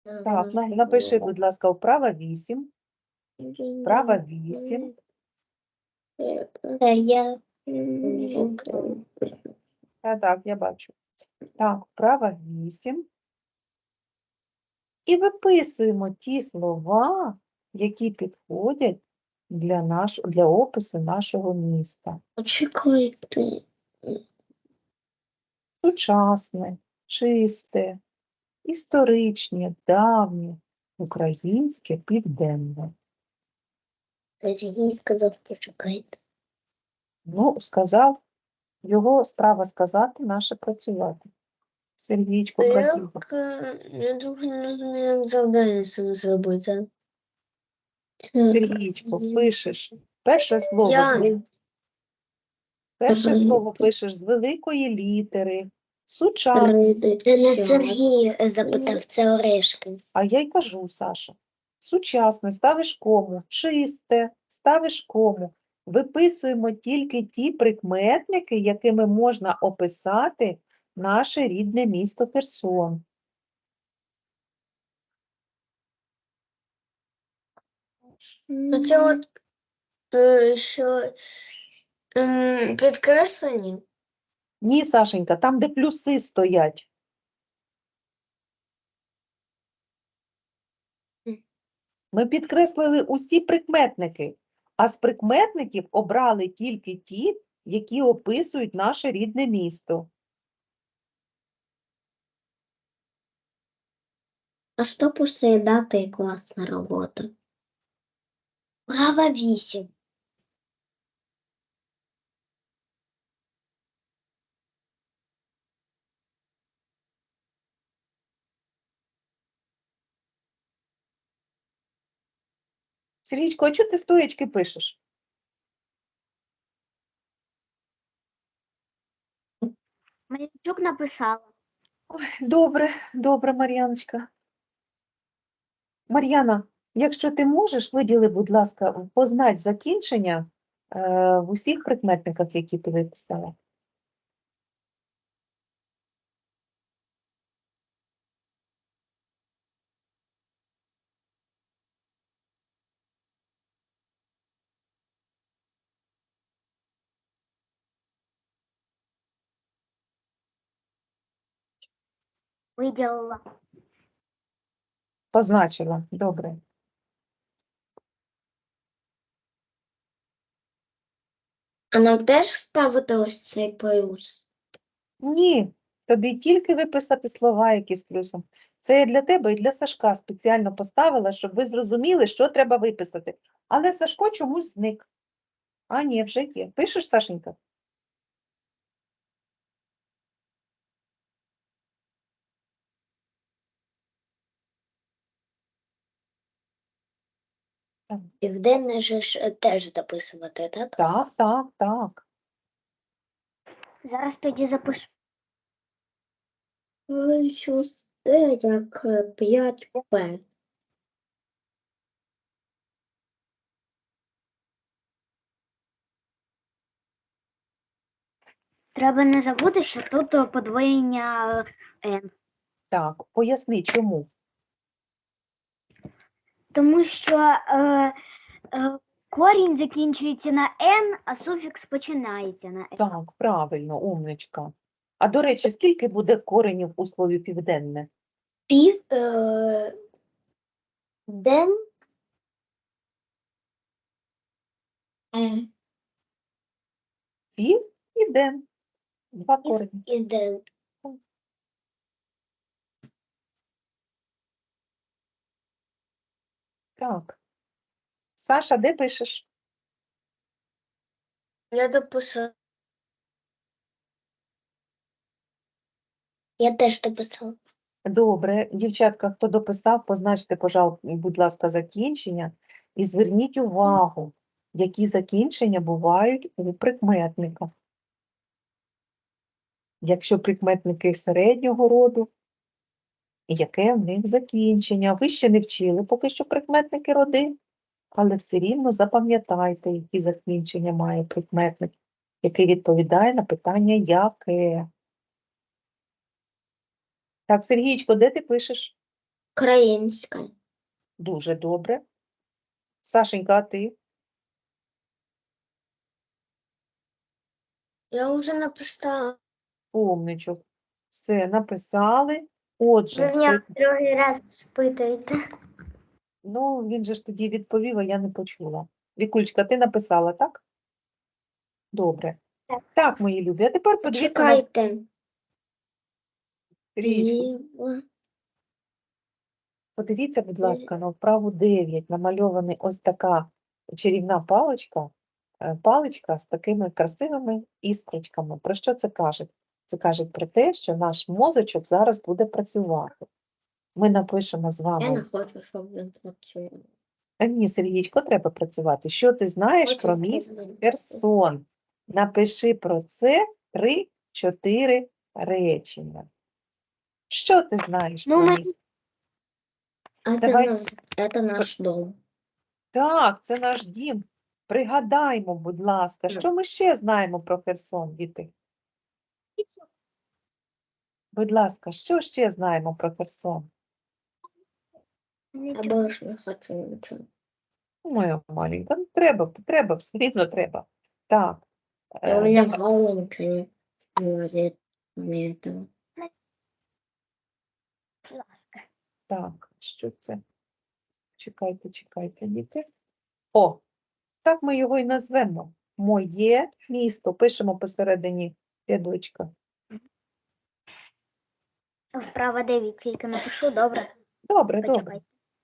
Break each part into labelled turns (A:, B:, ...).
A: Так, напиши, будь ласка, вправа 8. Вправа 8.
B: Я
A: Так, я бачу. Так, вправа 8. І виписуємо ті слова, які підходять для опису нашого міста.
B: Чекайте.
A: Сучасне, чисте, історичне, давнє, українське, південне.
B: Сергій сказав, почекайте.
A: Ну, сказав, його справа сказати, наше працювати. Сергійчко працює.
B: Я трохи не розумію, як завдання саме зробити.
A: Сергійчко, пишеш перше слово, пишеш з великої літери, сучасне.
B: Це не Сергій запитав, це Орешкин.
A: А я й кажу, Саша, сучасне, ставиш кому, чисте, ставиш кому. Виписуємо тільки ті прикметники, якими можна описати наше рідне місто Херсон.
B: Це от, що підкреслені?
A: Ні, Сашенька, там, де плюси стоять. Ми підкреслили усі прикметники, а з прикметників обрали тільки ті, які описують наше рідне місто.
B: А що після дати і класна робота? Права 8.
A: Сергійчко, а чого ти стоячки пишеш?
B: Мар'янчук написала.
A: Добре, добре, Мар'яночка. Мар'яна, якщо ти можеш, виділи, будь ласка, познач закінчення в усіх прикметниках, які ти виписала.
B: Виділила.
A: Позначила, добре.
B: А нам теж ставити ось цей плюс?
A: Ні, тобі тільки виписати слова, які з плюсом. Це я для тебе і для Сашка спеціально поставила, щоб ви зрозуміли, що треба виписати. Але Сашко чомусь зник. А, ні, вже є. Пишеш, Сашенька?
B: Південне ж теж записувати, так?
A: Так, так, так.
B: Зараз тоді запишу. Шосте як 5П. Треба не забути, що тут подвоєння N.
A: Так, поясни, чому.
B: Тому що корінь закінчується на N, а суфікс починається на N.
A: Так, правильно, умничка. А, до речі, скільки буде коренів у слові південне?
B: Ден.
A: Пів і ден. Два корені.
B: І ден.
A: Так. Саша, де пишеш?
B: Я дописала. Я теж дописала.
A: Добре. Дівчатка, хто дописав, позначте, будь ласка, закінчення. І зверніть увагу, які закінчення бувають у прикметниках. Якщо прикметники середнього роду, яке в них закінчення? Ви ще не вчили поки що прикметники роди, але все рівно запам'ятайте, які закінчення має прикметник, який відповідає на питання «яке?». Так, Сергійчко, де ти пишеш?
B: Українська.
A: Дуже добре. Сашенька, а ти?
B: Я вже написала.
A: Умничок. Все, написали. Отже,
B: другий раз спитуєте.
A: ну, він же ж тоді відповів, а я не почула. Вікулечка, ти написала, так? Добре.
B: Так.
A: Так, мої любі, а тепер подивіться на
B: Чекайте.
A: стрічку. Подивіться, будь ласка, на вправу 9. Намальована ось така чарівна паличка, паличка з такими красивими іскрочками. Про що це каже? Це каже про те, що наш мозочок зараз буде працювати. Ми напишемо з
B: Я не
A: вами.
B: хочу, щоб він працював.
A: А ні, Сергійчко, треба працювати. Що ти знаєш про місто Херсон? Напиши про це 3-4 речення. Що ти знаєш
B: Ну,
A: про
B: ми-
A: місто?
B: А
A: Давай.
B: це наш дом.
A: Так, це наш дім. Пригадаймо, будь ласка, що ми ще знаємо про Херсон, діти? Будь ласка, що ще знаємо про Херсон?
B: Я більше не хочу нічого.
A: Моя маленька, ну треба, все рівно треба. Так,
B: У меня в голову ничего не влазит, кроме этого.
A: так, що це? Чекайте, діти. О, так ми його і назвемо. Моє місто. Пишемо посередині рядочка.
C: Вправо 9 тільки напишу, добре?
A: Добре, добре.
C: Почекайте.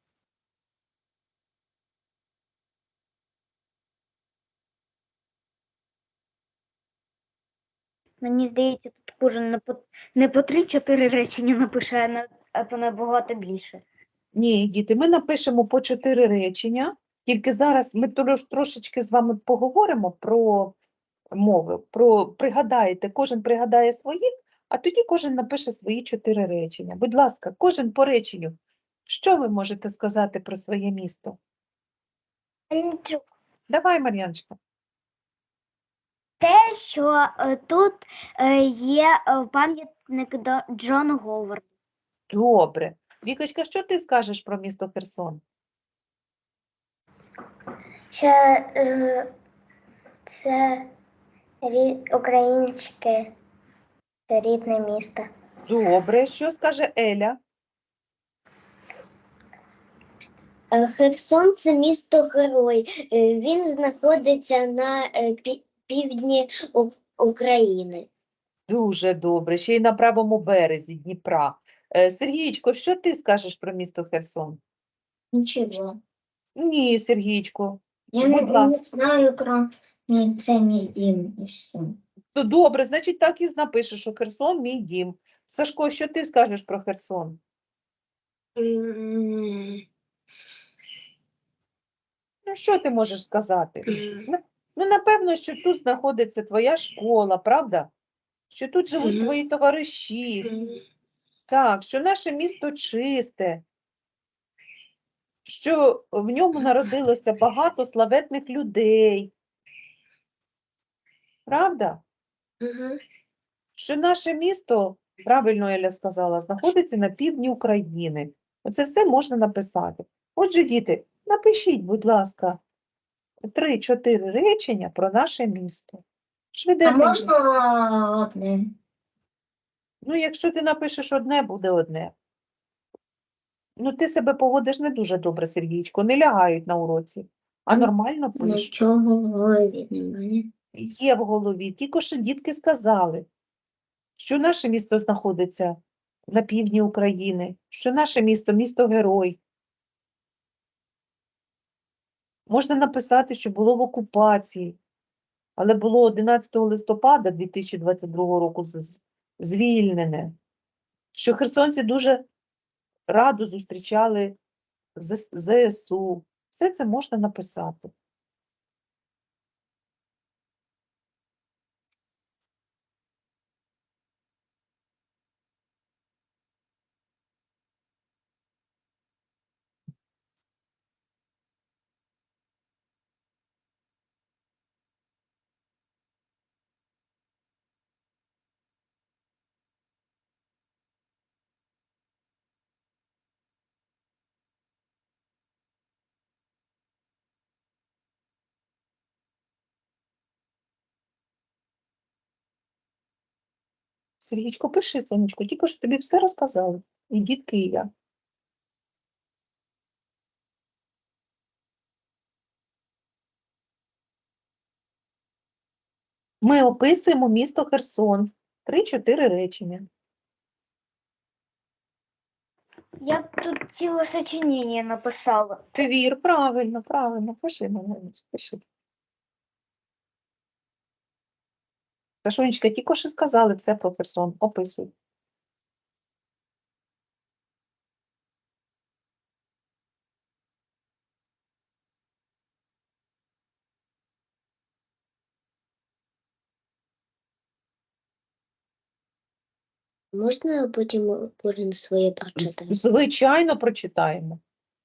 C: Мені здається, тут кожен не по 3-4 речення напише, а по набагато більше.
A: Ні, діти, ми напишемо по 4 речення, тільки зараз ми трошечки з вами поговоримо про мови, пригадаєте, кожен пригадає свої, а тоді кожен напише свої 4 речення. Будь ласка, кожен по реченню. Що ви можете сказати про своє місто? Давай, Мар'яночка.
C: Те, що тут є пам'ятник Джону Говарду.
A: Добре. Вікочка, що ти скажеш про місто Херсон?
B: Що це українське рідне місто.
A: Добре. Що скаже Еля?
B: Херсон – це місто-герой. Він знаходиться на півдні України.
A: Дуже добре. Ще й на правому березі Дніпра. Сергійчко, що ти скажеш про місто Херсон?
B: Нічого.
A: Ні, Сергійчко.
B: Я
A: Будь
B: не
A: ласка.
B: знаю, крім це мій дім і все.
A: То добре, значить так і напишеш, що Херсон – мій дім. Сашко, що ти скажеш про Херсон? Ну, що ти можеш сказати? Ну, напевно, що тут знаходиться твоя школа, правда? Що тут живуть твої товариші. Так, що наше місто чисте, що в ньому народилося багато славетних людей. Правда? Що наше місто, правильно Еля сказала, знаходиться на півдні України. Оце все можна написати. Отже, діти, напишіть, будь ласка, 3-4 речення про наше місто.
B: А
A: Швидесенько.
B: можна одне?
A: Ну, якщо ти напишеш одне, буде одне. Ну, ти себе поводиш не дуже добре, Сергійчко, не лягають на уроці, а нормально пиш.
B: Нічого в голові немає.
A: Є в голові. Тільки що дітки сказали, що наше місто знаходиться на півдні України, що наше місто – місто-герой. Можна написати, що було в окупації, але було 11 листопада 2022 року звільнене, що херсонці дуже радо зустрічали ЗСУ. Все це можна написати. Сергійчко, пиши, сонечко, тільки що тобі все розказали. І дітки, і я. Ми описуємо місто Херсон. 3-4 речення.
C: Я б тут ціле сочинення написала.
A: Твір, правильно, правильно. Пиши, Марганечко, пиши. Сашунечка, тільки що сказали все про Херсон. Описуй.
B: Можна потім кожен своє прочитати?
A: Звичайно, прочитаємо.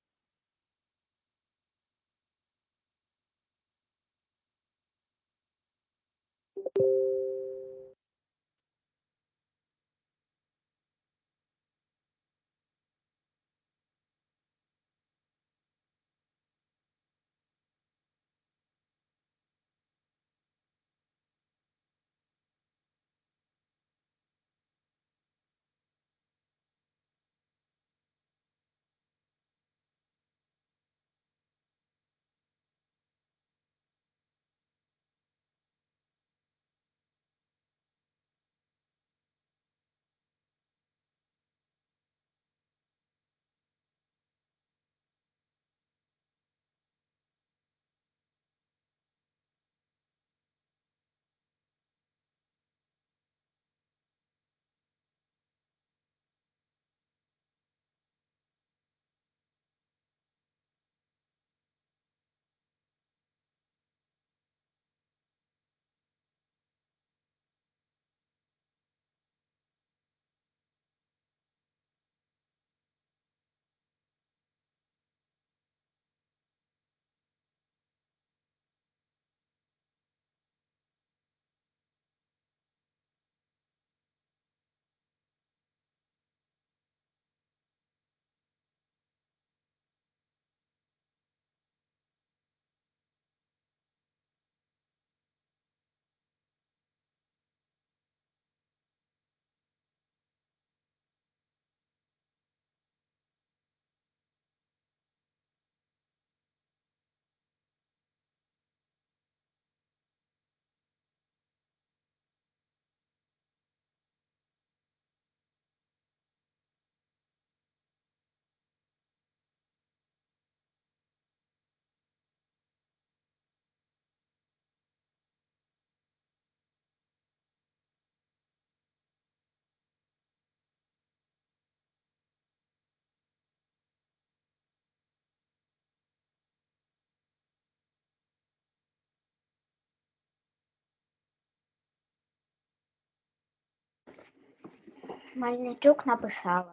C: Мальничук написала.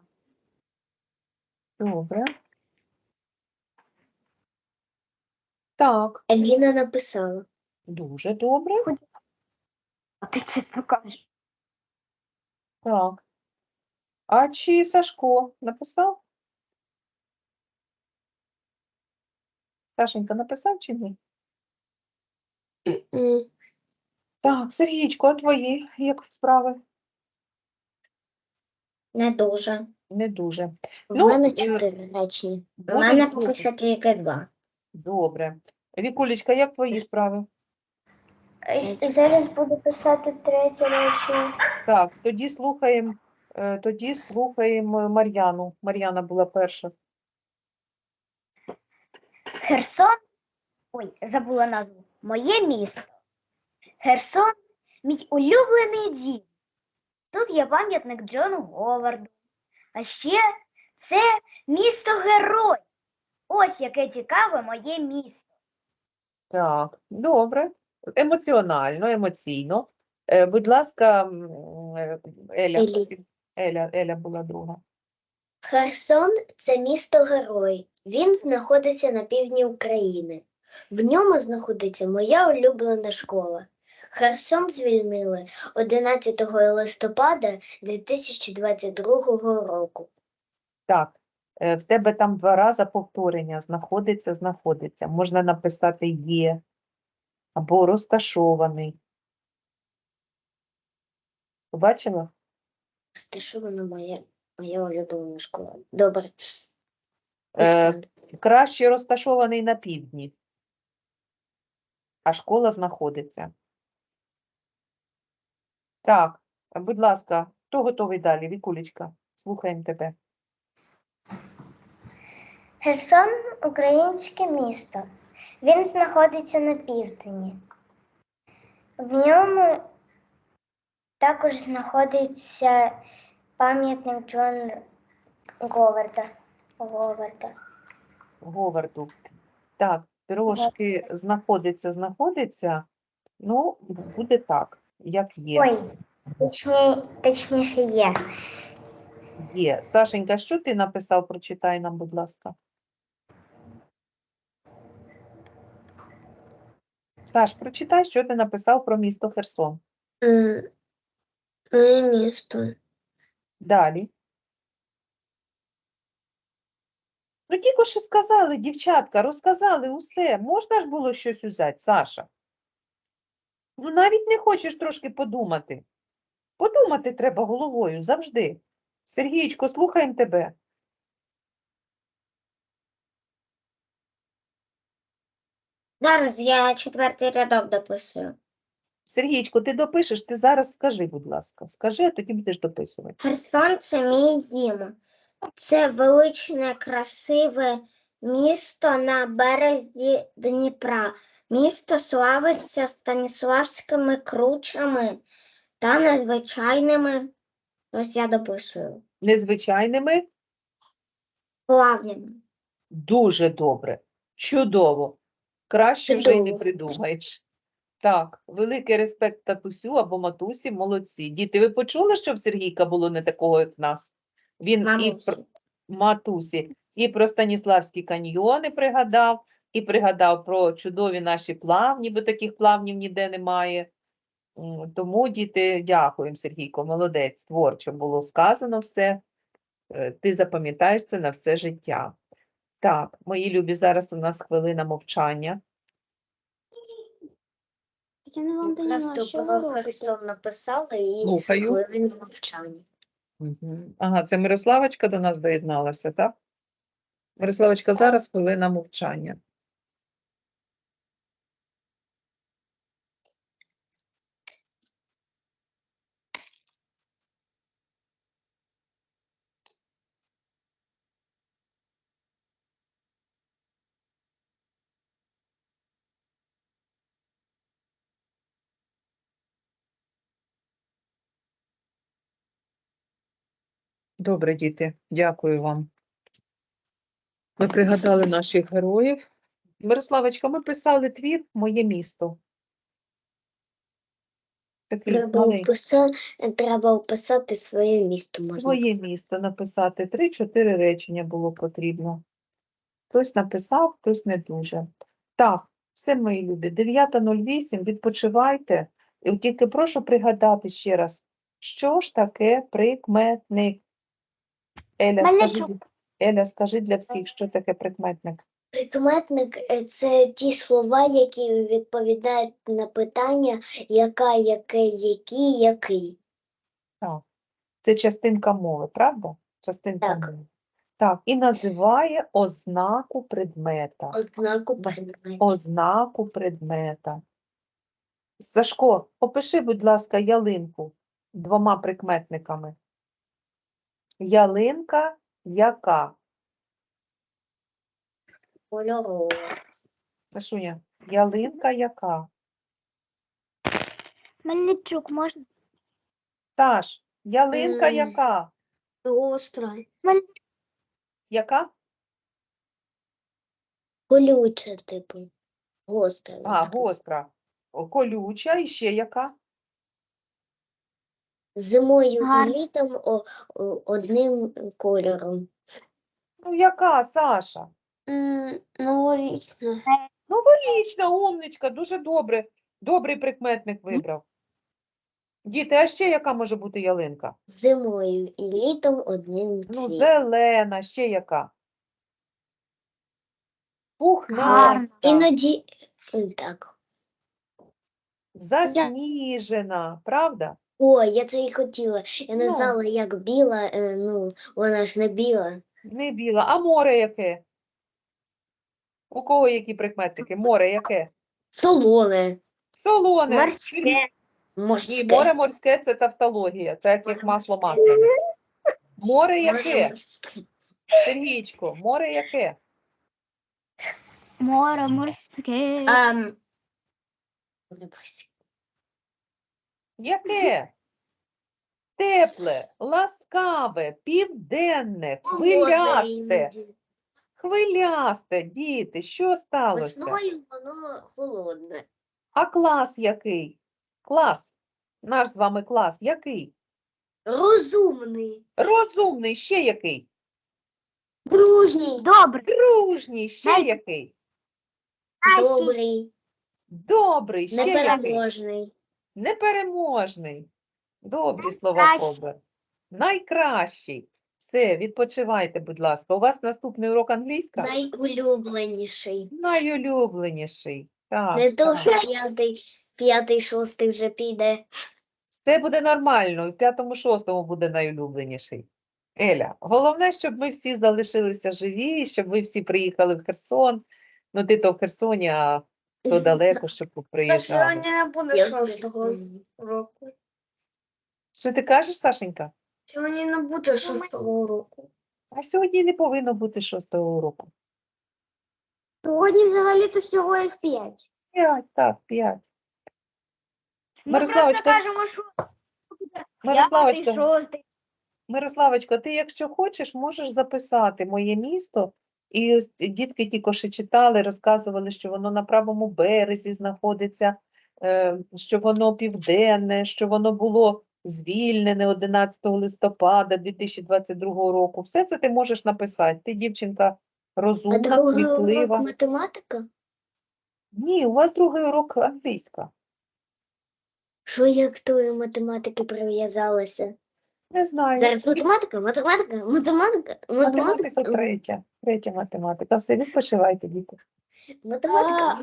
A: Добре. Так,
B: Еліна написала.
A: дуже добре.
C: А ти чесно кажеш.
A: Так. А чи Сашко написав? Сашенька написав чи ні?
B: М,
A: Так, Сергійчко, а твої як справи?
B: Не дуже.
A: Не дуже.
B: У
A: Ну,
B: мене 4 речення. У
A: будемо
B: мене
A: слухати.
B: поки що тільки 2.
A: Добре. Вікулечка, як твої справи?
C: Зараз буду писати третє речення.
A: Так, тоді слухаємо Мар'яну. Мар'яна була перша.
C: Херсон. Ой, забула назву. Моє місто. Херсон мій улюблений дім. Тут є пам'ятник Джону Говарду. А ще це місто-герой. Ось яке цікаве моє місто.
A: Так, добре. Емоціонально, емоційно. Будь ласка, Еля. Еля була друга.
B: Херсон – це місто-герой. Він знаходиться на півдні України. В ньому знаходиться моя улюблена школа. Херсон звільнили 11 листопада 2022 року.
A: Так, в тебе там 2 рази повторення знаходиться. Можна написати є або розташований. Побачила?
B: Розташована моя улюблена школа. Добре.
A: Е, краще розташований на півдні, а школа знаходиться. Так, будь ласка, хто готовий далі? Вікулечка, слухаємо тебе.
D: Херсон – українське місто. Він знаходиться на півдні. В ньому також знаходиться пам'ятник Джона Говарда.
A: Говарду. Так, трошки знаходиться, ну, буде так, як є.
D: Ой, точніше є.
A: Є. Сашенька, що ти написав? Прочитай нам, будь ласка. Саш, прочитай, що ти написав про місто Херсон.
B: Моє місто.
A: Далі. Ну, тільки що сказали, дівчатка, розказали усе. Можна ж було щось взяти, Саша? Ну, навіть не хочеш трошки подумати. Подумати треба головою завжди. Сергійчко, слухаємо тебе.
B: Зараз я 4-й рядок дописую.
A: Сергійчко, ти допишеш, ти зараз скажи, будь ласка. Скажи, а тоді будеш дописувати.
B: Херсон – це мій дім. Це величне, красиве місто на березі Дніпра. Місто славиться станіславськими кручами та незвичайними, ось я дописую,
A: Незвичайними?
B: плавнями.
A: Дуже добре. Чудово. Краще вже й не
B: Чудово.
A: придумаєш. Так, великий респект татусю або матусі, молодці. Діти, ви почули, що в Сергійка було не такого, як в нас? Він і про матусі, і про Станіславські каньйони пригадав, і пригадав про чудові наші плавні, бо таких плавнів ніде немає. Тому, діти, дякуємо, Сергійко, молодець, творчо було сказано все. Ти запам'ятаєш це на все життя. Так, мої любі, зараз у нас хвилина мовчання.
C: Я не вам
B: Якраз
C: поняла, що
B: про
C: ви робите?
B: Херсон написала і
A: Слухаю.
B: хвилину мовчання.
A: Ага, це Мирославочка до нас доєдналася, так? Мирославочка, зараз хвилина мовчання. Добре, діти, дякую вам. Ми пригадали наших героїв. Мирославочка, ми писали твір «Моє місто». Такий маленький.
B: Треба описати своє місто.
A: Своє місто написати. 3-4 речення було потрібно. Хтось написав, хтось не дуже. Так, все, мої любі, 9:08, відпочивайте. І тільки прошу пригадати ще раз, що ж таке прикметник? Еля, скажи для всіх, що таке прикметник.
B: Прикметник – це ті слова, які відповідають на питання яка, яке, які, який.
A: Так. Це частинка мови, правда? Частинка
B: Так.
A: мови. Так, і називає ознаку предмета.
B: Ознаку предмету.
A: Ознаку предмета. Сашко, опиши, будь ласка, ялинку 2 прикметниками. Ялинка яка?
B: Кольорова.
A: Сашуня, ялинка яка?
C: Мельничук, можна?
A: Таш, ялинка
B: М.
A: яка?
B: Гостра.
A: Яка?
B: Колюча, типу. Гостра.
A: А, гостра. Колюча і ще яка?
B: Зимою
C: Гарно.
B: і літом одним кольором.
A: Ну, яка, Саша?
B: Новорічна.
A: Новорічна, умничка, дуже добре. Добрий прикметник вибрав. Діти, а ще яка може бути ялинка?
B: Зимою і літом одним
A: Ну,
B: цвітом.
A: зелена, ще яка? Пухнаста,
B: Іноді так.
A: засніжена, правда?
B: О, я це і хотіла. Я не
A: Ну.
B: знала, як біла, ну, вона ж не біла.
A: Не біла. А море яке? У кого які прикметники? Море яке?
B: Солоне,
A: Солоне.
C: Морське.
A: Ні,
B: морське.
A: море морське – це тавтологія. Це як масло масляне. Море яке?
B: Морське.
A: Сергійчко, море яке?
C: Море морське.
A: Яке? Тепле, ласкаве, південне,
B: Холодне
A: хвилясте.
B: іноді.
A: Хвилясте, діти, що сталося?
B: Весною воно холодне.
A: А клас який? Клас. Наш з вами клас який?
B: Розумний.
A: Розумний, ще який?
C: Дружній. Добрий.
A: Дружній, ще
C: Най-
A: який?
B: Добрий.
A: Добрий, ще який?
B: Непереможний.
A: Непереможний. Добрі слова
C: Найкращий.
A: Кобра. Найкращий. Все, відпочивайте, будь ласка. У вас наступний урок англійська?
B: Найулюбленіший.
A: Найулюбленіший. Так,
B: Не то,
A: так.
B: що п'ятий, шостий вже піде.
A: Все буде нормально, і в 5-6 буде найулюбленіший. Еля, головне, щоб ми всі залишилися живі, щоб ви всі приїхали в Херсон. Ну, ти то в Херсоні, а то далеко, щоб тут приїжджали.
D: не буде
B: Я
D: шостого
B: знаю.
D: уроку.
A: Що ти кажеш, Сашенька?
D: Сьогодні не буде шостого уроку.
A: А сьогодні не повинно бути 6-го уроку.
C: Сьогодні взагалі-то всього їх 5.
A: 5, так, 5.
C: Ми просто
A: Мирославочка,
C: кажемо, що буде
A: Мирославочка,
C: 5, 6.
A: Мирославочка, ти, якщо хочеш, можеш записати моє місто. І ось дітки тільки що читали, розказували, що воно на правому березі знаходиться, що воно південне, що воно було звільнене 11 листопада 2022 року. Все це ти можеш написати. Ти, дівчинка,
B: А
A: розумна,
B: другий урок
A: кмітлива.
B: математика?
A: Ні, у вас другий урок англійська.
B: Що я к тої математики прив'язалася?
A: Не знаю.
B: Зараз математика.
A: Математика третя. Третя математика. Все, відпочивайте, діти.
B: Математика.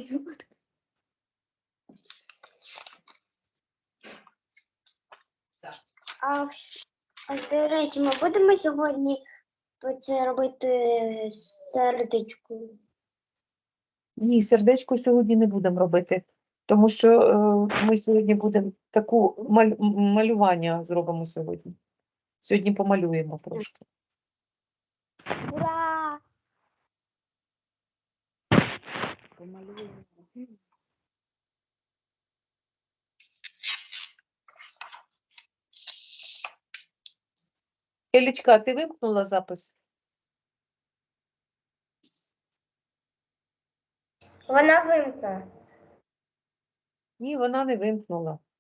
D: До речі, ми будемо сьогодні це робити сердечкою.
A: Ні, сердечко сьогодні не будемо робити, тому що ми сьогодні будемо таку малювання зробимо сьогодні. Сьогодні помалюємо трошки.
C: Ура!
A: Елічка, ти вимкнула запис?
D: Вона вимкнула.
A: Ні, вона не вимкнула.